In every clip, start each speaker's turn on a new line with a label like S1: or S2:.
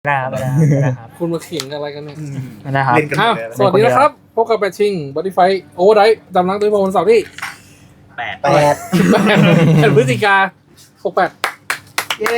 S1: ได้ครับ
S2: คุณมาเขียงอะไรกันเนี่ย
S1: ไม่ได้ครับ
S3: เล่นกันหมดเลย
S2: สวัสดีนะครับ พบกับแบทชิงบอดี้ไฟโอเวอร์ไดจำนักด้วยวันเสาร์ที่
S3: แปด
S2: 8 พฤศจิกา68
S3: เย้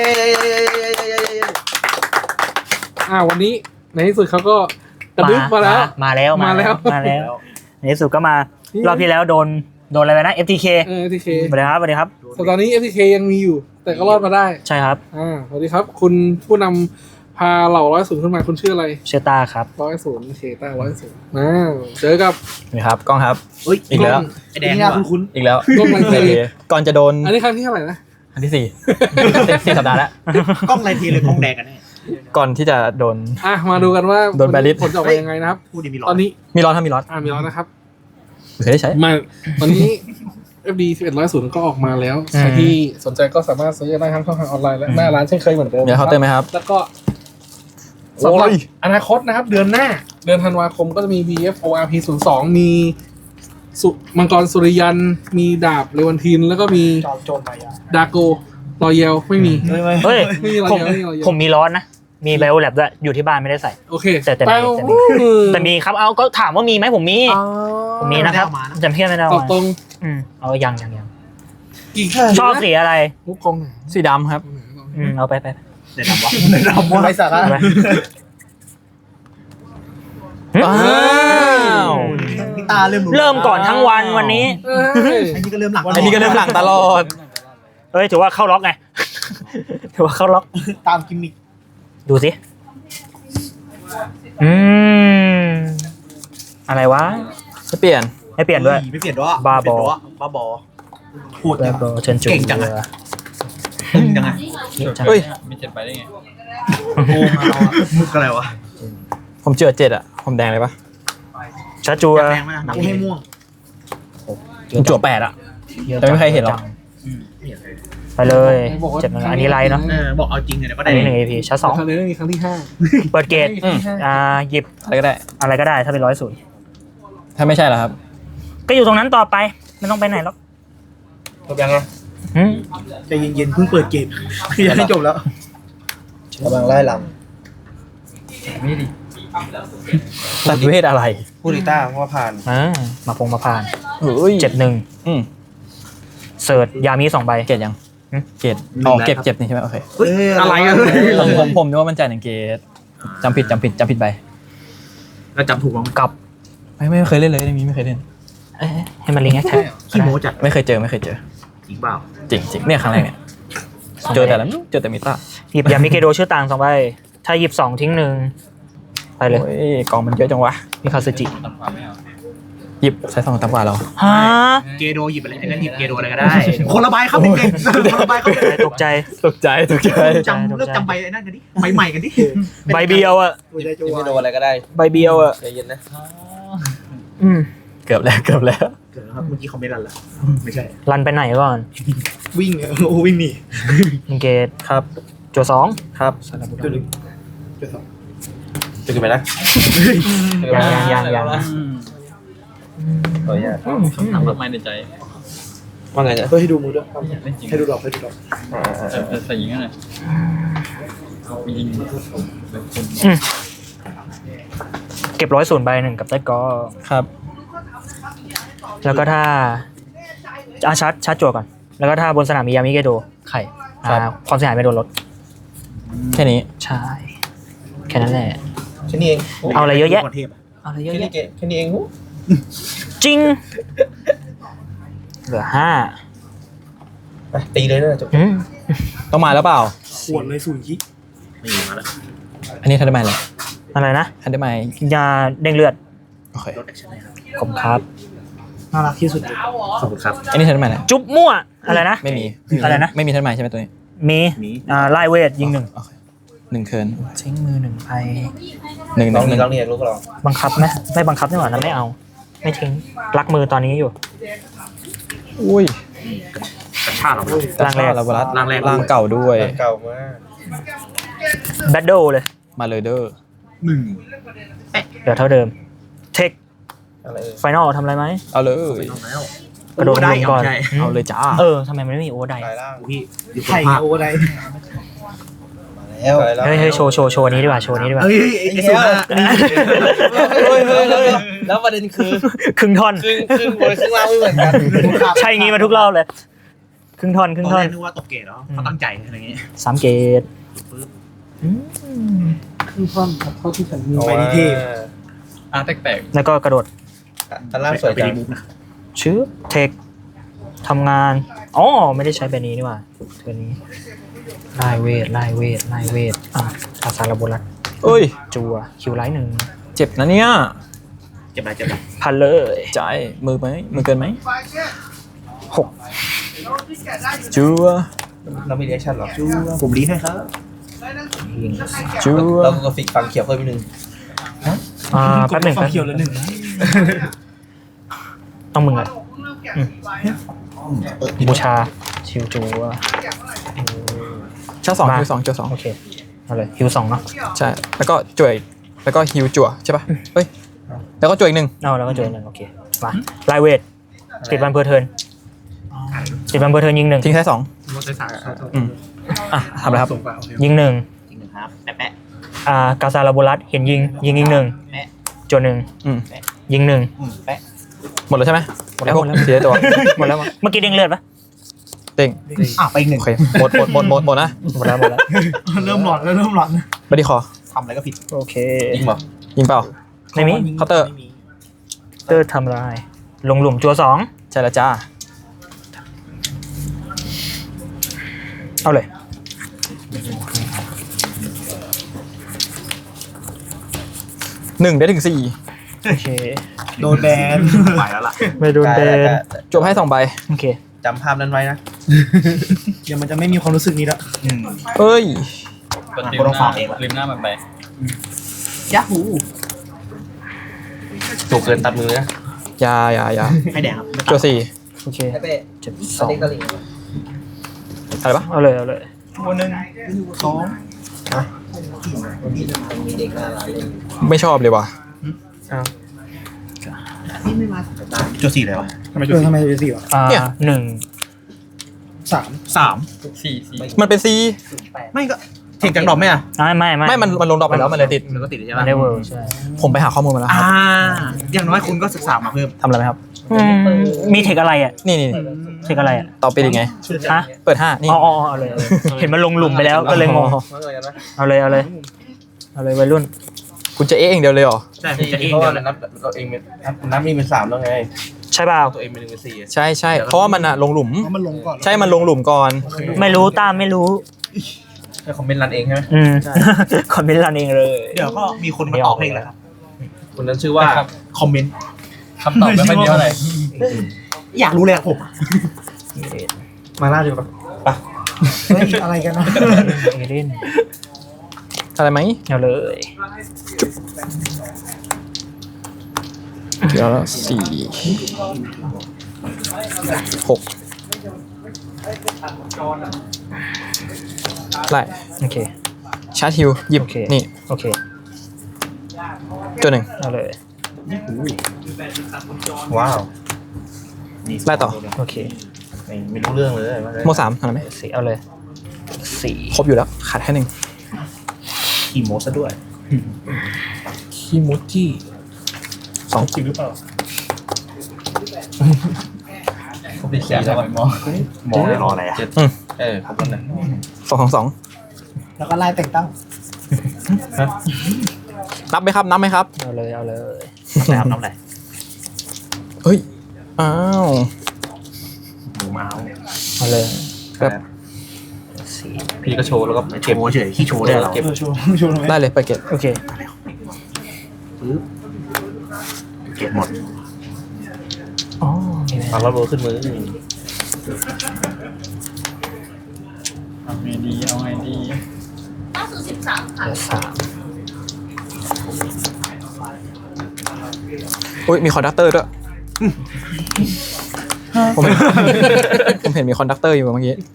S2: วันนี้ในที่สุดเขาก็กระดึ๊บมาแล้ว
S1: มาแล้ว ในที่สุดก็มารอบที่แล้วโดนอะไรไปนะ FTK
S2: FTK
S1: สวัสดีครับสวัสดีครับ
S2: แต่ตอนนี้ FTK ยังมีอยู่ แต่ก็รอดมาได้
S1: ใช่ครับ
S2: สวัสดีครับ คุณผู้นำพาเหล่า100ขึ้นมาคุณชื่ออะไร
S1: เชต้าครับ
S2: 100โอเคต้า100เจอกับ
S4: นี่ครับกล้องครับ
S3: อีกแล้วไอแดงนี่คุ้น
S4: อีกแล้ว
S2: กล้องไรเท
S4: ก่อนจะโดน
S2: อันนี้ครั้งที่เท่าไหร่นะ
S4: อันที่สี่สี่สัปดาห์แล้ว
S3: ๆกล้องไรทีเลยกล้องแดงกันแน่
S4: ก่อนที่จะโดน
S2: มาดูกันว่า
S4: โดนแบนลิสต์
S2: ผลจะออกมายังไงนะครับ
S3: พูดดีมีร้อ
S2: ตอน นนี้
S4: มีร้อนถ้ามีร้อน
S2: มีร้อนนะครับ
S4: เคยได้ใช้
S2: มาตอนนี้ FD 1100ก็ออกมาแล้ว ใครที่สนใจก็สามารถซื้อได้ทั้งช่องทางออนไลน์และหน้าร้านเช่นเคยเหมือนเดิม
S4: เดี๋ยวเคาน์เตอร์ไหมครับ
S2: แล้วก็สำหรับ
S4: โอ้ย
S2: อนาคตนะครับ เดือนหน้า เดือนธันวาคมก็จะมี BFORP 02มีมังกรสุริยัน มีดาบเลวันทิน แล้วก็มี
S3: จอมโจรมายา
S2: ดาโกรอยเยลไม่มี
S1: เฮ้ย
S2: ไม่มีรอย
S1: ผม
S2: เยลไม่มีรอยเยล
S1: ผมมีร้อนนะ มีไบโอแลบด้วยอยู่ที่บ้านไม่ได้ใส่
S2: โอเค
S1: แต่
S2: ไป
S1: แต่มีครับเอาก็ถามว่ามีไหมผมมี ผมมีนะครับจำเพี้ยนไม่ได้
S2: ตอบตรง
S1: เอายัง
S2: กี่
S1: ชอบสีอะไร
S2: มุกกองไหน
S4: สีดำครับ
S1: เอาไป
S3: เดี๋ยวดำวะเดี๋ยวดำวะไรสาระ
S1: เอาไป
S4: ว้าว
S3: พี่ตาเริ่ม
S1: เริ่มก่อนทั้งวันวันนี้
S3: อันนี้ก็เริ่มหลัง
S4: อันนี้ก็เริ่มหลังตลอด
S1: เฮ้ยถือว่าเข้าล็อกไง ถือว่าเข้าล็อก
S3: ตามกิมมิค
S1: ดูสิ อะไรวะ
S4: จะเปลี่ยน
S1: ให้เปลี่ยนด้วย
S3: ไม่เปลี่ยนด้วย
S1: บ้าบอ
S3: บ้าบอพูด
S1: แบบเชิญจู
S3: เก่งจังอะตึงจังอะ
S4: เฮ้ย
S5: มี7ไปได้ไง
S3: โกงเราอะมุกอะไรวะ
S4: ผมเจอ7อ่ะ ผมแดงเลยปะ
S1: ชาจู
S3: แดงไหมนะกูให้ม่วง
S4: ผมจั่ว8อ่ะ แต่ไม่มีใครเห็นหรอก
S1: ไปเลยเจ็บนะอันนี้ไลน์เนาะ
S3: บอกเอาจริงเลยก็
S1: อั
S3: ได้
S1: นนี้1 AP ชาร์จ
S2: ครั้งนี้มีครั้งที่
S1: 2เปิดเกตหยิบ
S4: อะไรก็ได้
S1: อะไรก็ได้ถ้าเป็น100
S4: ถ้าไม่ใช่เหรอครับ
S1: ก็อยู่ตรงนั้นต่อไป ไม่ต้องไปไหนหรอก
S3: จบยังไง
S1: หืม
S3: ใจเย็นๆเพิ่งเปิดเกมยังไม่จบแล้วกำลังไล่ล
S4: ตัดเวทอะไร
S3: ำพูดดิต้าเพราะว่าผ่าน
S1: มาผ่าน
S4: เฮ้ย
S1: 71
S4: อืม
S1: เสิร์ชยามี2 ใบ
S4: เกตยัง
S1: หืม
S4: เกตอ๋อเก็บนี่ใช่ไหมโอเค
S3: อะไรอะ
S4: ผมนึกว่ามันจ่าย1 เกตจำผิดไป
S3: เราจำถูกมั้ง
S1: กับ
S4: ไม่เคยเล่นเลยเรื่องนี้ไม่เคยเล่น
S1: ให้มันลิงก์แท็ก
S3: ขี้โม้จัด
S4: ไม่เคยเจอ
S3: จริงเปล่า
S4: จริงเนี่ยครั้งแรกเนี่ยเจอแต่มิต้า
S1: หยิบยามิเกโดชื่อต่าง2 ใบถ้าหยิบ2ทิ้ง1ไปเลย
S4: โอ้ยกองมันเยอะจังวะ
S1: มีคาซึจิ
S5: ตัดความไม่เอา
S4: หยิบใช้2 ต่ำกว่าเรา
S1: ฮะ
S3: เกโดหยิบอะไรไอ้นั่นหยิบเกโดอะไรก็ได้ คนละใบครับเด็กๆคนละใบครับ
S1: ตกใจ
S4: ตกใจ
S3: จำเลิกจำใบไอ้นั่นกันดิใหม่ๆกันดิ
S1: ใบเบียวอ่ะ
S4: ไม่โดนอะไรก็ได้
S1: ใบเบียวอ่ะ
S4: ใจเย็นนะ
S1: อืม
S4: เกือบแล้ว
S3: เกิดแล้วครับเมื่อกี้เขาไม่รันละไม่ใช่
S1: รันไปไหนก่อน
S3: วิ่งโอ้วิ่งหนี
S1: มิเกต
S4: ครับ
S1: จัว2
S4: ครับ
S3: จุดหนึ่งจุดสอง
S4: จะขึ้นไปนะ
S1: ยัง
S4: ขออนุญาต
S5: คำถามมากมายในใจ
S4: ว่าไงจ๊ะ
S3: เพื่อให้ดูมือด้วย
S5: เล่นจริง
S3: ให้ดูดอกให้ดูดอก
S5: ใส่ยิงกันเลยมียิงแบบคน
S1: เก็บ100 ใบ1กับใต้กอ
S4: ครับ
S1: แล้วก็ถ้าชาร์จจั่วก่อน แล้วก็ถ้าบนสนามมียามิเกโดไข่ความเสียหายไม่โดนลด
S4: แค่นี้
S1: ใช่ แค่นั้นแหละ
S3: แค่นี้เอง
S1: เอาอะไรเยอะแยะ
S3: เทพ
S1: เอาอะไรเยอะ
S3: แค่นี้
S1: แยะ
S3: แค่นี้เอง
S1: จริง เหลือ5
S3: ไปตีเลยนะจบ
S4: ต้องมาแล้วเปล่า
S3: ขวดเลย0 คิไม่มีมาแล้ว
S4: อันนี้ทันได้ไหมเลย
S1: อะไรนะ
S4: ทันได้ไหม
S1: ยาเด้งเลือด
S4: โอเค
S3: รถแอคชั่นนะครับ
S1: ผมครับ
S3: น่ารักที่สุดขอบคุณครับ
S4: อันนี้ทันได้ไหมเลย
S1: จุ๊บมั่ว อะไรนะ
S4: ไม่มี
S1: อะไรนะ
S4: ไม่มีทันได้ไหมใช่ไหมตัวนี้
S1: มีไล่เวทยิง
S4: โอเค1 เคิร์น
S1: 1ทิ้งมือ1ไป
S4: หนึ่ง
S3: ลองเรียกลูกลอง
S1: บังคับไหมไม่บังคับนี่หว่านะไม่เอา ไม่ทิ้งรักมือตอนนี้อยู่
S4: อุ้ย
S3: กระชากเรา
S1: ร่างแรก
S4: ลาบรัส
S3: ร่างแรก
S4: ร่างเก่าด้วย
S3: เก่ามาก
S1: แบทเดิลเลย
S4: มาเลยเด้อ
S1: เดี๋ยวเท่าเดิม เทค
S3: อะไร
S1: ไฟนอลทำอะไรไหม
S4: เอาเลย
S3: แล้ว
S1: กระโดดลงก่อน
S4: เอาเลยจ้า
S1: ทำไมมันไม่มีโอ้ได
S3: พี่อยู่ไข่โอ้ได้
S1: เฮ้ยโชว์นี้ดีกว่าโชว์นี้ดีกว่า
S3: เฮ้ยไอ้สุดนะ
S5: แล้วประเด็นคือ
S1: ครึ่งท่อน
S5: ครึ่งบนครึ่งล่างไม่เหมือนกัน
S1: ใช่งี้มาทุกรอบเลยครึ่งท่อน
S3: ตอนแรกนึกว่าตกเกตเหรอเขาตั้งใจอะไรเงี้ย
S1: 3 เกต
S2: ครึ่งท่อนครับเท่าที่ฉันมี
S3: ไปที่เทพ
S5: แปลก
S1: แล้วก็กระโดด
S5: อันล่างสวย
S3: ไป
S5: จัง
S3: รีมูฟนะ
S1: ชื่อเทคทำงานอ๋อไม่ได้ใช้แบบนี้นี่หว่าตัวนี้ไล่เวทอาซาลาโบลัส
S4: เอ้ย
S1: จัวคิวไลท์หนึ่ง
S4: เจ็บนะเนี่ย
S3: เจ็บไร
S1: พันเลย
S4: จ่ายมือไหมมือเกินไหม
S1: 6
S4: จัว
S5: เรามีเรีแอคชั่นหรอ
S3: ผมรีให้ครับ
S1: ยิง
S4: จัว
S5: เราก็ฟิกฟังเขียวเพิ่มนิดนึง
S1: แป๊บหนึ่ง
S3: ความเขียวแล้วหนึ่ง
S1: ต้องมึงอ่ะบูชาชิวจัว
S4: ชาร์จสอง
S1: มา
S4: ฮิวสองจัวสอง
S1: โอเคเอาเลยฮิว2เนาะ
S4: ใช่แล้วก็จั่วอีกแล้วก็ฮิวจั่วใช่ปะเฮ้ยแล้วก็จั่วอีกหนึ่ง
S1: เอาแล้วก็จัวหนึ่งโอเคมาไล่เวทติดบันเพอร์เทิร์นยิง1
S4: ทิ้งแค่สอง
S2: รถไฟฟ้า
S4: อ่ะทำอะไรครับ
S2: ส่งไปโอเค
S1: ยิง1
S3: จริงหนึ่งครับแปะ
S1: กาซาลาโบลัสเห็นยิง1จัว1
S4: อืม
S1: ยิง1
S3: แปะ
S4: หมดแล้วใช่ไหม
S1: หมดแล้ว
S4: ไอ้พกเสียตัว
S1: หมดแล้วมั้งเมื่อกี้เด้งเลือดปะ
S4: เต็ง
S3: ไปอีกหนึ่ง
S4: โอเคหมดนะ
S1: หมดแล้ว
S3: เริ่มหลอนแล้วเริ่มหลอน
S4: ไม่ได้คอ
S3: ทำอะไรก็ผิด
S1: โอเค
S5: ยิงบอก
S4: ยิงเปล่า
S1: ไม่มี
S4: เคาน์เตอร์
S1: เตอร์ทำลายลงหลุมจัว2
S4: ใช่แล้วจ้า
S1: เอาเลย
S4: 1ได้ถึง4
S1: โอเค
S3: โดนแบนไปแล้วล่ะ
S1: ไม่โดนเบน
S4: จบให้2ใบ
S1: โอเค
S5: จำภาพนั้นไว้นะ
S3: เดี๋ยวมันจะไม่มีความรู้สึกนี้แล้ว
S4: เอ้ย
S3: คนต้องฝากเองละ
S5: ริมหน้ามันไป
S3: ยาฮู
S5: ถูกเกินตัดมือนะ
S4: อย่า
S3: ให้แดงครับ
S4: จั่ว4
S1: โอเค
S5: เป๊ะ
S1: เจ็บ
S5: สติ๊กเกอร์ลิง
S4: อะไรปะ
S1: เอาเลย
S3: ตัวหนึ่งสอง
S5: มีเด็กน่ารักเล่น
S4: ไม่ชอบเลยว่ะ
S3: จุดสี่เลยวะทำไมจุดสี่วะ
S4: เนี่ย
S1: 1
S3: สาม
S5: สี่
S4: มันเป็น C
S3: ไม่ก็เทคจากดอกไหมอ่ะ
S4: ไม่มันลงดรอปไปแล้วมันเลยติด
S3: มันก็ติดใช่
S1: มั
S3: ปะ
S1: นได้เวิร์ใช่
S4: ผมไปหาข้อมูลมาแล้วครับ
S3: อย่างน้อยคุณก็ศึกษามาเพิ่ม
S4: ทำอะไรไหมครับ
S1: มีเทคอะไรอ่ะ
S4: นี่
S1: เทคอะไรอ่ะ
S4: ต่อไปยังไง
S1: ฮะ
S4: เปิด5นี่
S1: อ๋อเอาเลยเห็นมันลงหลุมไปแล้วก็เลยงง
S5: ว่าอะไรกันนะ
S1: เอาเลยวัยรุ่น
S4: คุณจะเองเดียวเลยเหรอ
S3: ใช่ผมจะเอง
S5: เพราะ
S3: เดีย
S5: ว่าว
S3: เลย
S5: นับเราเองเป็นนับนี่เป็น3แล้วไง
S1: ใช่เปล่า
S5: ตัวเองเป็น1เป็น4
S4: ใช่เพราะว่ามันอะลงหลุม
S3: มันลงก่อน
S4: ใช่มันลงหลุมก่อน
S1: ไม่รู้ตามไม่รู้
S5: ให้คอมเมนต์รันเองใช่ไหม
S1: คอมเมนต์รันเองเลย
S3: เดี๋ยวก็มีคนมาตอบเองแหละครับ
S5: คนนั้นชื่อว่า
S3: คอมเมนต์
S5: คำตอบไม่ค่อยมีเท่าไหร่
S3: อยากรู้เลยอะผม
S5: มาล่าดีกว่าปะ
S3: อะไรกันนะ
S1: เอเดน
S4: อะไรไหม
S1: เอาเลย
S4: เดี๋ยว4 6ไล่
S1: โอเค
S4: ชาร์จฮิวหยิบ
S1: โอเค
S4: นี่
S1: โอเค
S4: ตัวหนึ่ง
S1: เอาเลย
S5: ว้าว
S4: ไล่ต่อ
S1: โอเค
S5: ไม่รู้เรื่องเลย
S4: โม3ทำอะไรไหม
S1: สี่เอาเลย4
S4: ครบอยู่แล้ว ขาดแค่1
S3: ขี่โมซะด้วย
S2: คิมูจิ
S3: จริงหรือเปล่า
S5: ผมเป็น4แล้วหมอ
S3: หมอรออะไรอ่ะ
S5: ครบแล้วนะ
S4: 2
S3: แล้วก็ไล่แต่งตั้ง
S4: นับไหมครับ
S1: เอาเลย
S3: นะครับน้ำไหล
S4: เฮ้ย อ้าว
S3: หมูเมาส์
S1: เอาเลย
S4: แบบ
S5: พี่ก็โชว์แล้วก็
S3: โชว์เฉยขี้โชว์ได้เหรอ
S5: เก็บ
S4: ได้เลยไปเก็บ
S1: โอเค
S3: เก็บหมด
S1: อ๋อมีไหม
S5: ฟังแล้วโบขึ้นมือ
S4: เอาไงดี
S6: ล่าสุด13 ค่ะ
S1: เหลือ3
S4: อุ้ยมีคอนดักเตอร์ด้วย ผมเห็นมีคอนดักเตอร์อยู่เมื่อกี้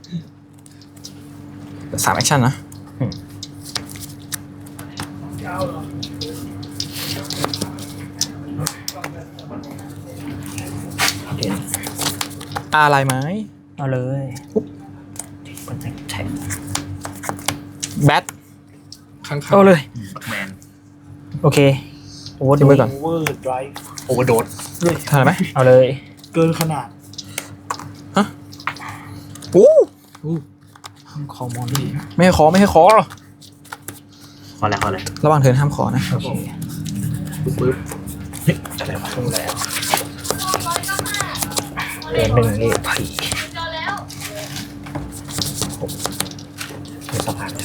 S4: 3แอคชั่นนะ อะไรไหม
S1: เอาเลยคนแท็ก
S4: แบท
S2: ข้างๆ
S1: เอาเลย
S3: บักแมน
S1: โอเคโอเวอร์
S4: ทิ้งไว้ก่อน
S3: โอเวอร์ไดรฟ์โอเวอร์โดด
S4: ทานไหม
S1: เอาเลย
S3: เกินขนาด
S4: อู้
S1: คอมอน
S4: ไม่ให้ขอไม่ให้ขอ
S3: ขอแล้วขอแล้ว
S4: ระหว่างเทิร์นห้ามขอนะ
S1: โอเค
S2: ปึ๊บ
S3: เฮ้ยอะไรวะ
S1: รู้แล้วเดือนหนึ่งเอพี
S6: เจอแล้ว
S3: เป็นสะพานเลย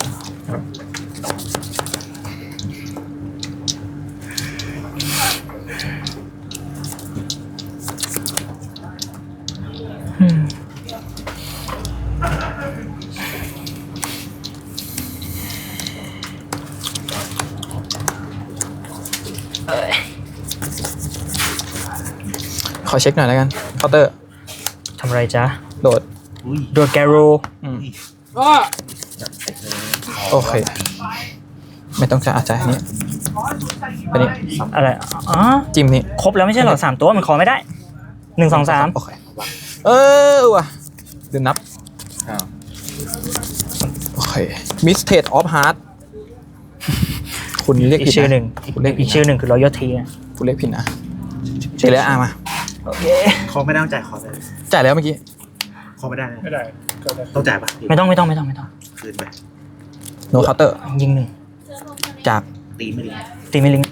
S4: ขอเช็คหน่อยแล้วกันเคาน์เตอร์
S1: ทำไรจ๊ะ
S4: โดด
S3: อุ้ย
S1: โดดแกโร
S4: อืม
S2: อ้อ
S4: โอเค ไม่ต้องจ่ายจ่ายอันนี้อันนี้
S1: อะไรอ๋อ
S4: จิ้มนี่
S1: ครบแล้วไม่ใช่เหรอ3 ตัวมันขอไม่ได้1 2 3
S4: โอเคว่ะเดี๋ยวนับ
S3: อ้าว
S4: โอเคมิสเทดออฟฮาร์ดคุณเรียก
S1: อี
S4: ผิ
S1: ก
S4: ด
S1: ชื่อห
S4: นะ
S1: นึ่ง
S4: คุณเรียกผิ
S1: อี
S4: ด
S1: กชื่อหนึ่งคือรอยทีนะ
S4: คุณเรียกผิดนะเฉยแล้วมา
S1: โอเค
S3: ขอไม่ได้ต้องจ่ายขอไป
S4: จ่ายแล้วเมื่อกี้
S3: ขอไม่ได้นะ
S2: ไม่ได้ก็ได้
S3: ต้องจ่ายปะ
S1: ไม่ต้อง
S3: คืนไป
S4: โนเคาน์เตอร์
S1: ยิงหนึ่ง
S4: จาก
S3: ตีไม่ดี
S1: ตีไม่ลิง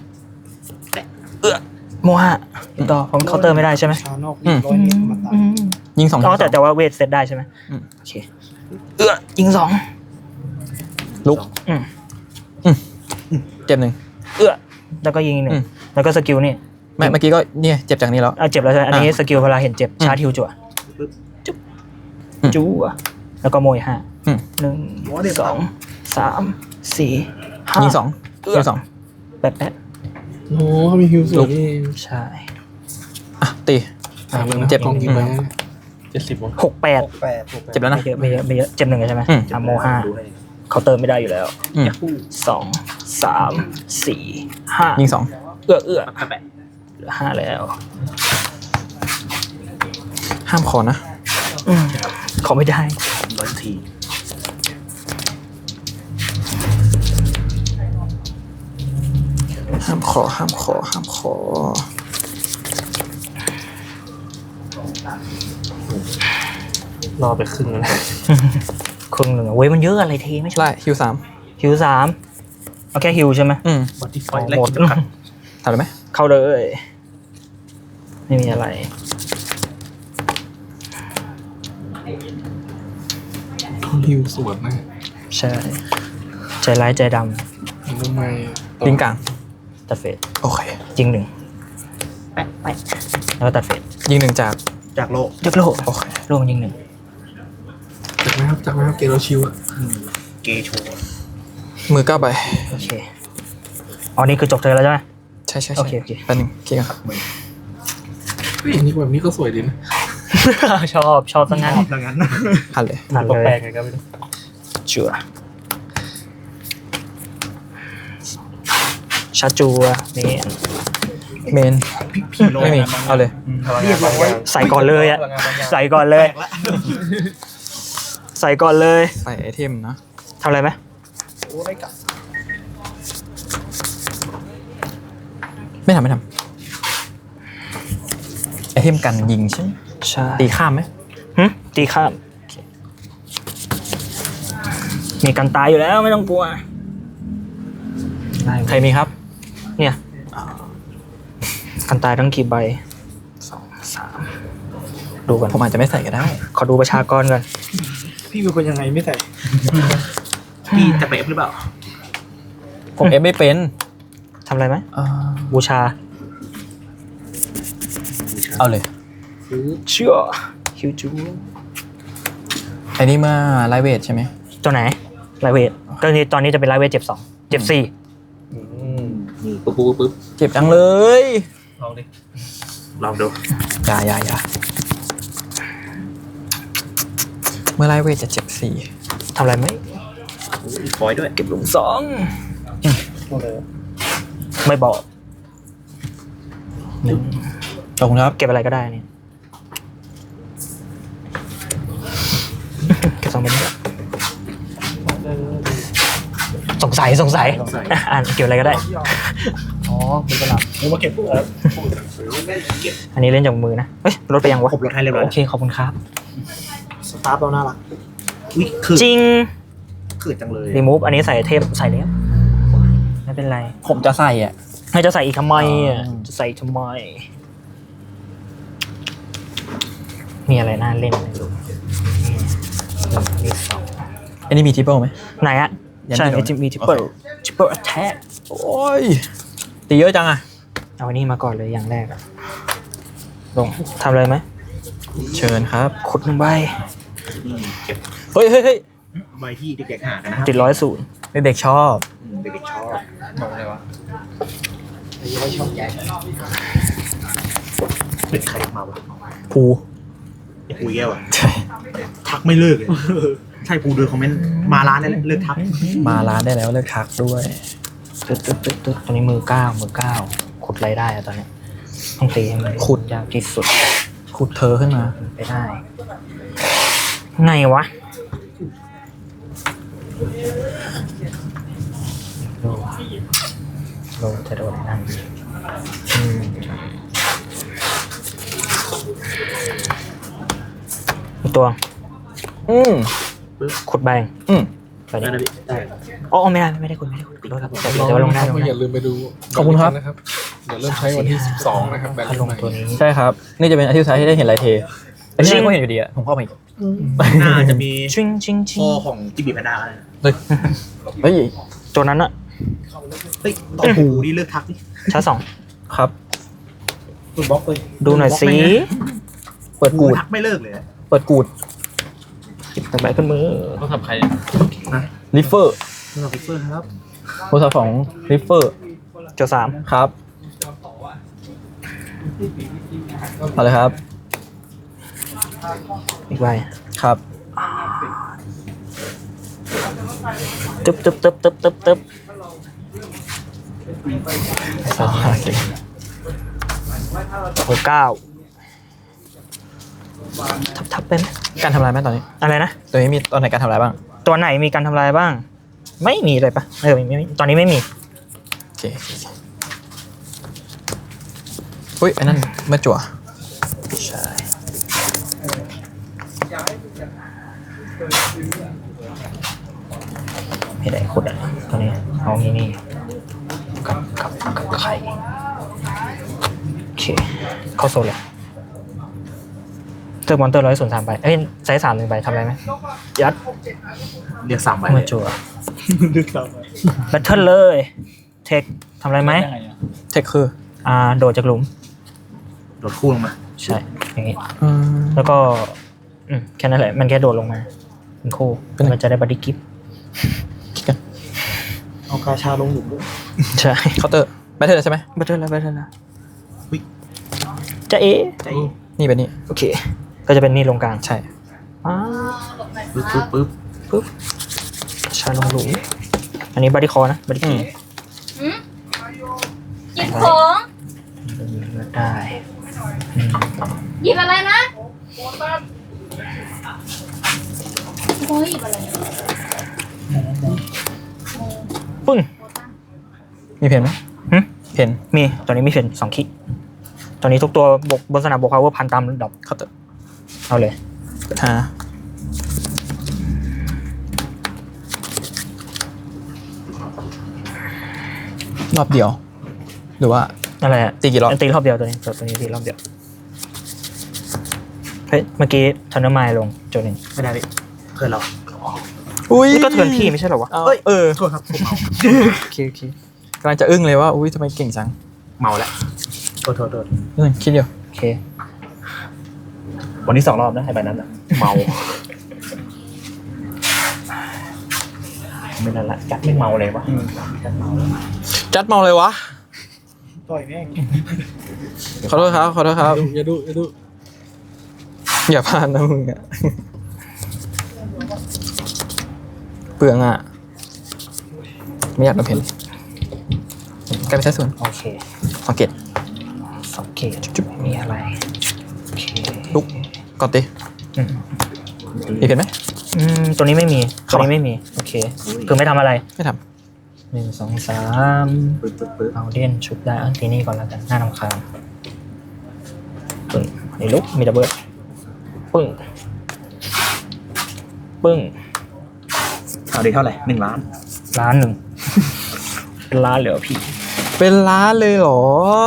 S1: โมฮะติดต่อผมเคาน์เตอร์ไม่ได้ใช่ไหม
S3: ชานอก
S1: อืม
S4: ยิงสอง
S1: อ๋อแต่ว่าเวทเซตได้ใช่ไหม
S4: อืม
S1: โอเคยิง2
S4: ลุก
S1: อืม
S4: เจ็บหนึ่ง
S1: แล้วก็ยิงอีกหนึ่
S4: อื
S1: ง
S4: ม
S1: แล้วก็สกิลนี่
S4: ไม่เมื่อกี้ก็เนี่ยเจ็บจากนี้แล้ว
S1: เจ็บแล้วใช่ไหมอันนี้สกิลเวลาเห็นเจ็บ
S4: อืม
S1: ชาร์จฮิวจั่ว
S4: อืม
S1: จั่วแล้วก็โมย5
S4: อืม
S1: 1 2 3 4 5
S4: ยิงสองยิงสอง
S1: แป๊บ
S2: โอ้เขามีฮิวสวยนี่เอง
S1: ใช่
S4: อ่ะตี
S2: เจ็บกองกี่ใบ
S5: 70วะ
S1: 6 8
S4: เจ็บแล้วนะ
S1: ไม่เยอะเจ็บหนึ่งใช่ไหม
S4: อืม
S1: โมห้าเคาน์เตอร์ไม่ได้อยู่แล้ว
S4: อืม
S1: 2 3 4 5
S4: ยิงสอง
S1: เหลือ5แล้ว
S4: ห้ามขอนะ
S1: ขอไม่ได้
S3: 100 ที
S4: ห้ามขอห้ามขอห้ามขอ
S5: รอไปครึ่งแล้วนะ
S1: ครึ่งหนึ่งอะเว้ยมันเยอะอะไรทีไม่ใช่
S4: ไล่ฮิว3
S1: ฮิว3เอาแค่ฮิวใช่ไหม
S3: บอดี้ไฟ
S1: หมด
S4: ทำได้ไหม
S1: เข้าเลย ไม่มีอะไร
S2: ฮิวสวยนะ
S1: ใช่ ใจร้ายใจด
S2: ทำไม
S4: ลิงกลาง
S1: ำตัดเฟด
S4: โอเค
S1: ยิงหนึ่งแปะแล้วก็ตัดเฟด
S4: ยิงหนึ่งจาก
S3: จากโลก
S1: ยกโล
S4: โอเค
S1: โลมันยิงหนึ่ง
S2: จากไหมครับเกโรชิวอะ
S3: เกโชว์
S4: มือ9ใบ
S1: โอเคอ๋อนี่คือจบเธอแล้วใช่ไหม
S4: ใช่ใช่
S1: โอ
S4: ใช่
S1: เคโอเค
S4: แป๊บนึงเคลียร์ครับ
S2: เฮ้ยอันนี้แบบนี้ก็สวยดีนะ
S1: ชอบซะงั้น
S3: ดังนั้น
S4: หันเลย
S1: ทัน
S5: ตัว
S1: เล
S5: แปล
S1: ย
S5: กไงก็ไม่รู้
S1: จัวชาจัวนี่
S4: เมน
S3: พี่โล
S4: ไม่มีเอาเลย
S3: เรียบร้อย
S1: ใส่ก่อนเลยอะใส่ก่อนเลย
S3: ละ
S1: ใส่ก่อนเลย
S4: ใส่ไอเทมนะ
S1: ทำอะไรไหม
S3: โอ้ได้กลับ
S4: ไม่ทำไอเทมกันยิงใช่ไหม
S1: ใช่
S4: ตีข้ามไหม
S1: ตีข้ามมีกันตายอยู่แล้วไม่ต้องกลัว
S4: ใครมีครับ
S1: เนี่ยกันตายทั้งกี่ใบ2 3ดูก่อน
S4: ผมอาจจะไม่ใส่ก็ได้
S1: ขอดูประชากรก่อน
S3: พี่เป็นคนยังไงไม่ใส่พี่จะเป๊ะหรือเปล่า
S4: ผมเอฟไม่เป็น
S1: ทำอะไรไหม
S4: เอ่อ
S1: บูชา
S4: เอาเลย
S1: เชื่อฮิวจู
S4: ไอ้นี่มาไลท์เวทใช่ไหม
S1: ตัวไหนไลเวทตอนนี้จะเป็นไลเวทเจ็บ2เจ็บ4
S3: นี่
S2: ปุ๊บปุ๊บปุ๊บ
S4: เจ็บจังเลย
S5: ลองดิ
S3: ลองดู
S4: อย่าเมื่อไลท์เวทจะเจ็บ4
S1: ทำอะไรไหม
S3: คอยด้วย
S1: เก็บหลุม2ไม่บอก
S4: ตรงครับ
S1: เก็บอะไรก็ได้นี่ เก็บ2เป็น2 สัยอ่านเกี่ยวอะไรก็ได้
S3: อ๋อเป็นประหลาดผมมาเก็บพวกแล้ว
S1: อันนี้เล่นจากมือนะเฮ้ยลดไปยังวะ
S3: ผมลดให้เรียบร้อย
S1: โอเคขอบคุณครับ
S3: สตาร์ฟเราน่ารักอุ้ยคือ
S1: จริง
S3: คือจังเลย
S1: รีมูฟอันนี้ใส่เทปใส่แล้วไม่เป็นไร
S4: ผมจะใส่อ่ะ
S1: ให้จะใส่อีกทำไมอ่ะจะใส่ทำไม มีอะไรน่าเล่นไหมลูกนี่สอง
S4: อันนี้มีทิปเปิลไหม
S1: ไหนอะ
S4: ยัง
S1: ใช่
S4: ไม่โดน
S1: มีทิปเปิลทิปเปิลแท็ก
S4: โอ้ยตีเยอะจังอ่ะ
S1: เอาอันนี้มาก่อนเลยอย่างแรกอะลงทำเลยไหม
S4: เชิญครับ
S1: ขุดหนึ่งใบ
S3: เก็บ
S4: เฮ้ย
S3: ใบที่เด็กๆหากันนะครับ
S1: ติด100
S4: เด็กๆชอบ
S3: เด็กๆชอบ
S5: บอกเลยวะ
S3: เป็นใครมาวะ
S4: ภู
S3: ไอ้ปุยแก้วอะ
S4: ใช่
S3: ทักไม่เลิกเลยใช่ปูดูคอมเมนต์มาร้านนี่แหละเลิกทัก
S4: มาร้านได้แล้วเลิกทักด้วย
S1: ตึ๊ดตอนนี้มือเก้าขุดอะไรได้อะตอนเนี้ยต้องตีให้มันขุดยากที่สุด
S4: ขุดเธอขึ้นมา
S1: ไปได้ ไงวะโลจะโดนนั่นอีกตัว ขุดใบ ไป
S3: ได้
S1: นี่
S3: นะพี่ได้
S1: อ๋อไม่ได้ขุดขอโทษครับแต่
S2: น้อง
S1: ว่าลง
S2: ๆ
S1: ได้
S2: นะครับ
S1: ลง
S2: ก็
S1: ได้
S2: อย่าลืมไปดู
S4: ขอบคุณครับ
S2: นะครับเดี๋ยวเริ่มใช้วันที่ 12 นะครับแบบ
S1: ถ้าลง
S2: ใหม่
S1: ตัวนี้
S4: ใช่ครับ นี่จะเป็นอาทิตย์สุดท้ายที่ได้เห็นลายเทอันนี้ก็เห็นอยู่ดีอะผมเข้าไปอีก
S3: น่าจะมี
S1: ชิง
S3: พ่อของจิบีแพนด้าอะไรนะ
S4: เฮ้ย
S1: ตัวนั้นอะ
S3: เฮ้ยต่อปูนี่เลิกทักนี่
S1: ชาร์จสอง
S4: ครับ
S3: คุณบล็อกเลย
S1: ดูหน่อยสิ
S4: เปิด
S3: กู
S4: กูด
S3: ทักไม่เลิกเลย
S4: เปิดกูด
S1: ต่อไปขึ้นมือ
S5: ต้องทำใคร
S4: ริฟเฟอร์
S3: คุณกับพิเฟอร์ครับ
S4: โทรศัพท์ของริฟเฟอร์
S1: เจ้าสาม
S4: ครับเอาเลยครับ
S1: อีกใบ
S4: ครับ
S1: ตึ๊บสองโอ้เก้าทับเป็น
S4: การทำลายไหมตอนนี้
S1: อะไรนะ
S4: ตัวนี้มีตอนไหนการทำลายบ้าง
S1: ตัวไหนมีการทำลายบ้าง ไม่มีเลยปะไม่ตอนนี้ไม่มี
S4: โอเคอุ้ยไอ้นั่นเมื่อจั่ว
S1: ใช่ไม่ได้ขุดอ่ะตัวนี้เอานี่กับไข่โอเคเข้าโซนเลยเจอมอนเตอร์103ใบเอ้ยไซส์3 1ใบทำอะไรไหมยัด
S3: เรียก3ใบ
S1: เมื่อจั่วแบทเทิลเลยเทคทำอะไรไหม
S5: ยังไงอะ
S4: เทคคือ
S1: โดดจากหลุม
S3: โดดคู่ลงมา
S1: ใช่อย่างงี้
S4: อืม
S1: แล้วก็แค่นั้นแหละ มันแค่โดดลงมาเป็นคู่มันจะได้บัดดี้กิฟต์
S3: เอากาชาลงหลุมด้วย
S1: ใช่
S4: เคาน์เตอร์แบตเตอร์ใช่ไหม
S1: บัตเทิลแล้ว
S3: อุ๊ย
S1: จะเอ๊ะ
S3: ใจ
S4: นี่เป็นนี่
S1: โอเค ก็จะเป็นนี่ลงกลาง
S4: ใช่
S1: อ้า
S3: ปึ๊บ
S1: ชาลงหลุมอันนี้บัดดี้คอนะบัดดี้กิฟต์
S6: หยิบของ
S1: ได้
S6: หยิบอะไรนะโอ้ยหยิบอะไร
S1: ปึ้ง
S4: มีเพนไหม
S1: หึ
S4: เพน
S1: มีตอนนี้มีเพน2 คิตอนนี้ทุกตัวบนสนามบกพาวเวอร์พันตามดอก
S4: เคาน์เตอร์
S1: เอาเลย
S4: หา รอบเดียว หรือว่า
S1: อะไรอะ
S4: ตีกี่รอบ
S1: ตีรอบเดียวตัวนี้ตีรอบเดียวเฮ้ยเมื่อกี้ทันเนอร์ไมล์ลงโจนึง
S3: ไม่ได้พี่เพื่อนเรา
S4: อุ้ย
S1: นี่ก็เทิร์นพี่ไม่ใช่เหรอวะ
S3: เฮ้ย
S4: เออ
S3: โทษครับผมเมา
S1: โอเค
S4: กำลังจะอึ้งเลยว่าอุ้ยทำไมเก่งจัง
S3: เมาแล้วโทษ
S4: คิดอยู่
S1: โอเค
S3: วันนี้2 รอบนะไอ้ใบนั้นอะเมา
S1: ไม่นั่นละ
S3: จัดไม่เมาเลยวะ
S4: จัดเมาเลยวะ
S3: ต่อยแม่ง
S4: ขอโทษครับ
S2: อย่าดู
S4: อย่าพลาดนะมึงอะเปลืองอ่ะ ไม่อยากโดนเพนกลายเป็นใช้ส่วน
S1: โอเค
S4: สังเกต
S1: สังเกตจุดไม่มีอะไรโอเค
S4: ลุกก่อนตี
S1: อืม
S4: มีเพนไหม
S1: ตัวนี้ไม่มีตัวนี้ไม่มีโอเคคือไม่ทำอะไร
S4: ไม่ท
S1: 1 2 3
S3: ปึ๊บ
S1: เอาเด่นชุบได้อันทีนี้ก่อนแล้วกันหน้ารำคาญปึ้งอันนี้ลุกมีดับเบิลปึ้งปึ้ง
S3: เอาได้เท่าไหร่1 ล้าน
S1: ล้านหนึ่ง เป็นล้านเหลือพี่
S4: เป็นล้านเลยเหรอ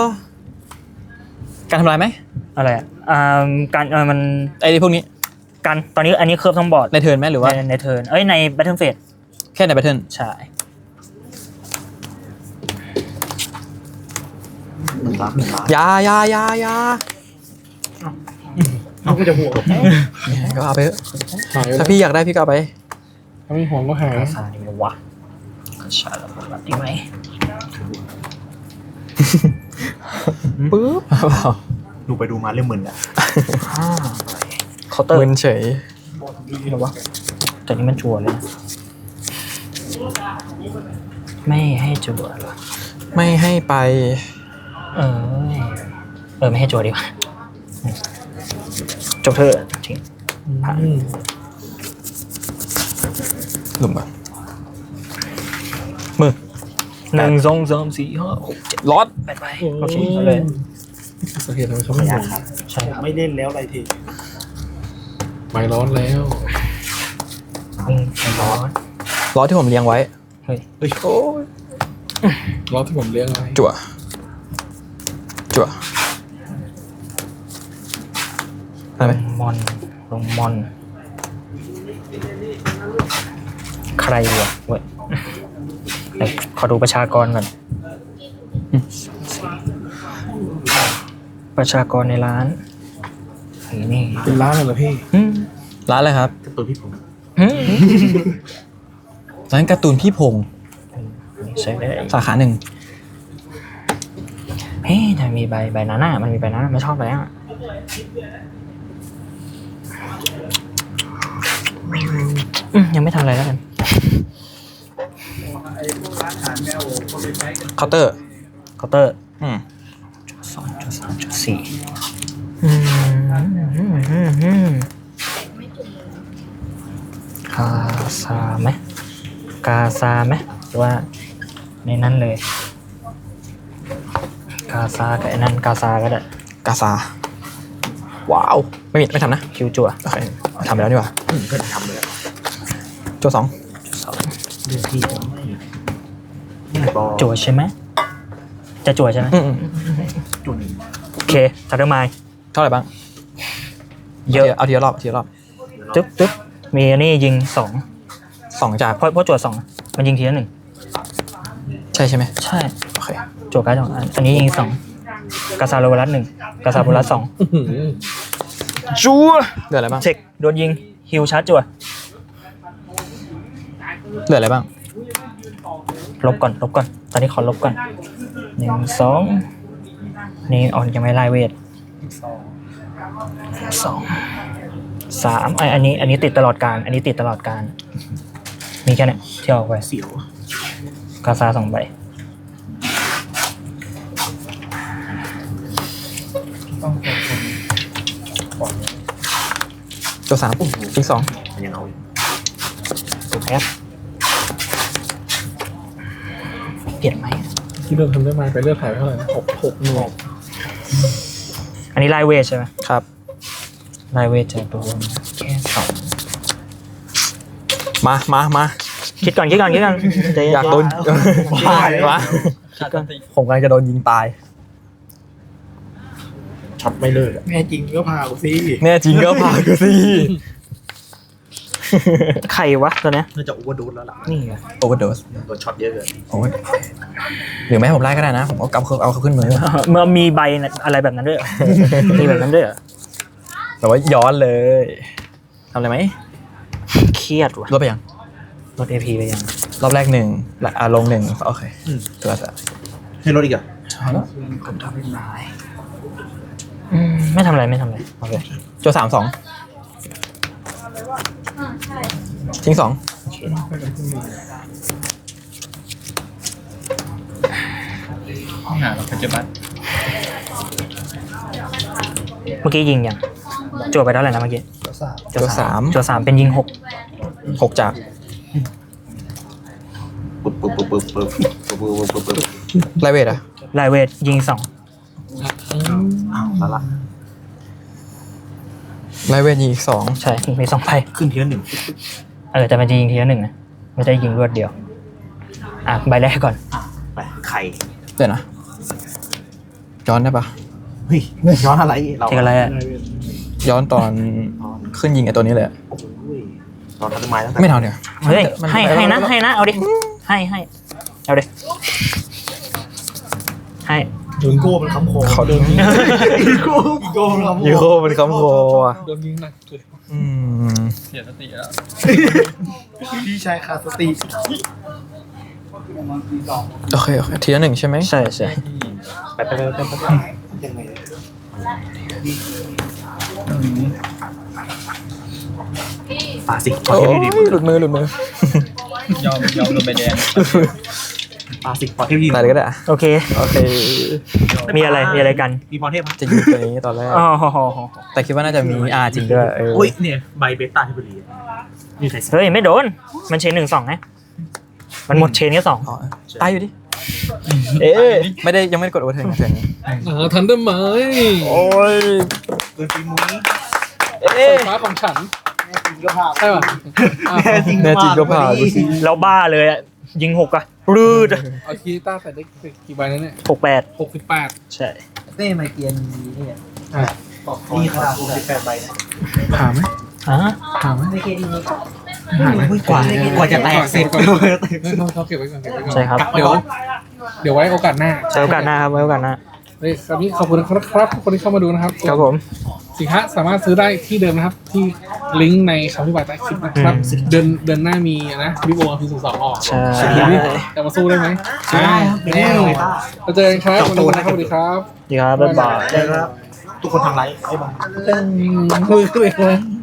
S4: การทำลายไหม
S1: อะไรอ่ะการมัน
S4: ไอ้พวกนี้
S1: การตอนนี้อันนี้เคิร์ฟทั้งบอร์ด
S4: ในเทิร์นไหมหรือว่า
S1: ในเทิร์นในแบทเทิลเฟส
S4: แค่ในแบทเทิล
S1: ใช่
S3: 1 ล้าน
S4: ยายา
S3: เขาก็จะห่วง
S4: ก็เอาไปเถอะ
S2: หายไป
S4: ถ้าพี่อยากได้พี่ก็เอาไป
S2: ถ้าไม่ห่วงก็หาย
S1: กาซาดีไหมวะกาซาแล้วรับดีไหม
S4: ปึ๊บเปล่า
S3: ดูไปดูมาเรื่องมึนอ่ะ
S1: เคาน์เตอร์
S4: มึนเฉย
S1: หรอวะแต่นี้มันจั่วเลยนะไม่ให้จั่วเหรอ
S4: ไม่ให้ไป
S1: เออไม่ให้จั่วดีกว่าจบเถอะทิ้งผ่าน
S4: หลุมปะมือ
S1: 1 2 3 4 5 6 7
S4: ลอด
S1: ไปไปโอเคเอาเลย
S2: สาเหตุทำไมเขาไม่ห่วง
S1: ใช่ครับ
S3: ไม่เล่นแล้วอะไรที
S2: ไม่ร้อนแล้ว
S1: วิ่งไปร้อน
S4: ลอดที่ผมเลี้ยงไว้
S1: เฮ้ย
S3: เฮ้ยโอ้ย
S2: ร้อนที่ผมเลี้ยงไว้
S4: จั่วได้ไหม
S1: ลงมอนใครวะเว้ยเดี๋ยวขอดูประชากรก่อนประชากรในร้านนี่
S2: เป็นร้านเลยเหรอพี่
S1: อืม
S4: ร้านอะไรครับ
S3: กับตัวพี่ผม
S1: อืม
S4: ร้านการ์ตูนพี่พงษ์
S1: ใช่ได้
S4: สาขาหนึ่ง
S1: เฮ้ยแต่มีใบนั้นอ่ะมันมีใบนั้นอะไม่ชอบใบนั้นอะยังไม่ทำอะไรแล้วกัน
S4: เคาน์เตอร์
S1: เคาน์เตอร์ 2.3.4กาซาไหมกาซาไหมหรือว่าในนั้นเลยกาซากับไอ้นั่นกาซาก็ได้
S4: กาซา ว้าว ไม่ทำนะ
S1: คิวจั่ว
S4: โอเคทำไปแล้วดีกว่า
S3: เพื่อนทำเลยอะ
S4: จั่ว2
S3: เรื่องพี่ไม่บอก
S1: จั่วใช่ไหมจะจั่วใช่ไหม
S3: จุ่น
S1: โอเคทัตเตอร์ไมล์
S4: เท่าไหร่บ้าง
S1: เยอะ
S4: เอาทีละรอบ
S1: ตึ๊บมีอันนี้ยิง2
S4: 2 จาก
S1: เพราะจั่ว2มันยิงทีละ1
S4: ใช่ไหม
S1: ใช่
S4: โอเค
S1: จั่วการ์ด2อันนี้ยิง2กาซาโรวารัส1กาซาโรวารัส2จั่ว
S4: เหลืออะไรบ้าง
S1: เช็คโดนยิงฮิวชาร์จจั่ว
S4: เหลืออะไรบ้าง
S1: ลบก่อนตอนนี้ขอลบก่อน1 2นี่ยังไม่ไล่เวท2 3อันนี้ติดตลอดการอันนี้ติดตลอดการมีแค่เนี้ยที่ออกไป
S3: เสียว
S1: กาซา2 ใบ
S4: จั่ว3ทิ้ง2
S3: มันยังเอาอยู่
S1: ถูกแอปเปลี่ยนไหม
S2: ที่เริ่มทำได้ไหมไปเลือกถ่ายไปเท่าไหร่นะ6 หน่วย
S1: อันนี้ไล่เวทใช่ไหม
S4: ครับ
S1: ไล่เวทจะโดนแค่2
S4: มา
S1: คิดก่อนใจเน
S4: อยากโดน
S1: บ้า
S4: วะผมกำลังจะโดนยิงตาย
S3: ช็อตไม่เลิกอะแม่จริงก็พากูสิ
S4: แน่จริงก็พากูสิ
S1: ใครวะตัวเนี้ย
S3: น่าจะโอเวอร์ดูแล้วล่ะ
S1: นี่ไง
S4: โอเวอร์โดส
S3: โดนช็อตเยอะเกิน
S4: โอ้ยหรือไม่ให้ผมไล่ก็ได้นะ ผมเอาเขาขึ้นมือ
S1: เมื่อมีใบอะไรแบบนั้นด้วยเหรอ มีแบบนั้นด้วยเหรอ
S4: แต่ว่าย้อนเลยทำอะไรไหม
S1: เครียดว่ะ
S4: ลดไปยัง
S1: ลด AP ไปยัง
S4: รอบแรก1และลง1โอเคตัวจะ
S3: ให้รถอีกอ่ะ
S1: ผมทำไม่ได้ไม่ทำอะไรโอเค
S4: จั่ว3 2ทิ้ง2
S5: ห้องหาเราปัจจุบัน
S1: เมื่อกี้ยิงยังจั่วไปเท่าไหร่นะเมื่อกี้
S4: จั่ว3
S1: จั่ว3เป็นยิง6
S4: 6 จาก
S3: ปึ๊บปึ๊บปึ๊บปึ๊บปึ๊บปึ๊บปึ๊บปึ๊บปึ๊บ
S4: ไลเวทอะ
S1: ไลเวทยิงสอง
S3: อ้าวแล้วล่ะ
S4: ไลเวทยิงอีก2
S1: ใช่มี2ใบ
S3: ขึ้นทีละหนึ่ง
S1: แต่มันจะยิงทีละหนึ่งนะไม่ได้ยิงรวดเดียว ใบแรกก่อน
S3: ไปไข่
S4: เดี๋ยวนะย้อนได้ปะ
S3: เฮ้ยย้อนอะไรเรา
S1: เทคอะไรอ่ะ
S4: ย้อนตอนขึ้นยิงไอตัวนี้เลยอะ
S3: โอ้ยตอนทันไม้ตั้งแต่
S4: ไม่เอาเดี๋ยว
S1: เฮ้ย
S4: มัน
S1: ให้นะเอาดิให้เอาดิให้
S3: ยูโก้มันค้ำคอ
S4: เขาโดน
S3: ยูโก้มันค้ำคอ
S4: ยูโคเป็นคำโคอ่ะ
S2: โดนยิงหนักเลย
S5: เสียสติแล้ว
S3: พี่ชายขาดสติ
S4: โอเคทีละ1ใช่ไหม
S1: ใช่
S3: ไปยังไงป่าสิ
S4: โอ้ยหลุดมือย
S5: อมโดนใบแดง
S3: ป่าสิพอเทพยิง
S4: ตายเลยก็ได้อะ
S1: โอเค
S4: โอเค
S1: มีอะไรกัน
S3: มีพอเทพ
S4: จะยิงตัวนี้ตอนแรก
S1: อ๋อ
S4: แต่คิดว่าน่าจะมีจริงด้วย
S3: โอ้ยเนี่ยใบเบต้าเทพบุรีมีใคร
S1: เฮ้ยไม่โดนมันเชน1-2นะมันหมดเชนแค่2
S4: อ๋อตายอยู่ดิเอ๊ะไม่ได้ยังไม่ได้กดโอเวอร์เทิร์นเทิร์นนี้
S2: ทันได้ไหม
S4: โอ้ย
S3: เกินปีมุ้ย
S2: ไฟฟ้าของฉัน
S3: จริงก็พา
S2: ใช่ป่ะ
S4: แน่จริงก็ผ่าดูสิ
S1: เราบ้าเลยอ่ะยิง6อ่ะรืด
S2: เอาคีต้าใส่ได้กี่ใบแล้วเนี่ย
S1: 68
S2: 68
S1: ใช่
S3: เต้ไมเกียนนี่เนี่ย
S2: อ่ะ
S3: นี่ขนาด68ใบนะ
S2: ผ่าไหม
S1: อ่ะ
S2: ผ่าไหม
S3: ไมเกียนนี่กว่าจะแตกเสร็จ
S2: เขาเก็บไว้ก่อนเก็บไว้ก่อน
S1: ใช่ครับ
S2: เดี๋ยวไว้โอกาสหน้า
S1: ไว้โอกาสหน้าครับไว้โอกาสหน้า
S2: เฮ้ยคราวนี้ขอบคุณครับทุกคนที่เข้ามาดูนะครับ
S1: ครับผม
S2: สินค้าสามารถซื้อได้ที่เดิมนะครับ ที่ลิงก์ในคำอธิบายใต้คลิปนะครับ เดือนหน้ามีนะวิโอพี02ออก
S1: ใช่
S2: จะมาสู้ได้ไหม
S3: ได้ครับแน่เลยป้า
S2: เราเจอกันครับวันนี้นะครับสวัสดีครับ
S1: ดีครับบ๊ายบาย
S3: ได้ครับทุกคนทางไลฟ์ไอ้บ้าง
S2: คุย